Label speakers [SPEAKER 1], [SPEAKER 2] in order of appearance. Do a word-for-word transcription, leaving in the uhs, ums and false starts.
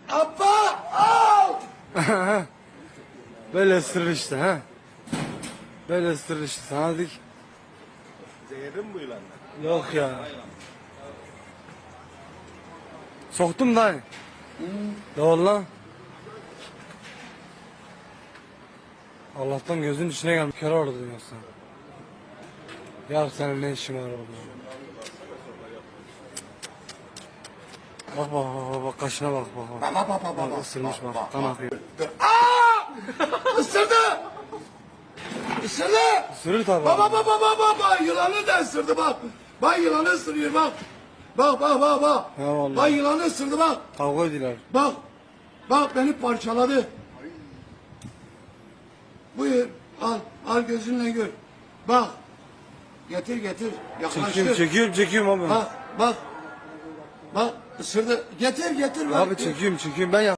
[SPEAKER 1] Abba! Al!
[SPEAKER 2] Böyle ısırır işte ha. Böyle ısırır işte sana dedik.
[SPEAKER 3] Zehirli mi bu yılanlar?
[SPEAKER 2] Yok ya. Soktum da. Doğru lan. Allah'tan gözün içine gelmiş. Kör orada diyorsun. Ya senin ne işin var orada? Bak bak bak bak, bak kaşına bak bak bak.
[SPEAKER 1] Bak bak bak bak.
[SPEAKER 2] Bak ısırmış bak, kan akıyor.
[SPEAKER 1] Aa! Isırdı! Isırdı!
[SPEAKER 2] Isırır tabi.
[SPEAKER 1] Baba baba baba baba yılanı da ısırdı bak. Bak yılanı ısırıyor bak. Bak bak bak bak.
[SPEAKER 2] Ya vallahi.
[SPEAKER 1] Bak yılanı ısırdı bak.
[SPEAKER 2] Kavga ediler.
[SPEAKER 1] Bak. Bak beni parçaladı. Buyur al al gözünle gör. Bak. Getir getir. Yaklaştır.
[SPEAKER 2] Çekiyorum çekiyorum çekiyorum abi.
[SPEAKER 1] Bak bak. Bak ısırdı. Getir getir. bak.
[SPEAKER 2] Abi çekiyorum çekiyorum ben ya.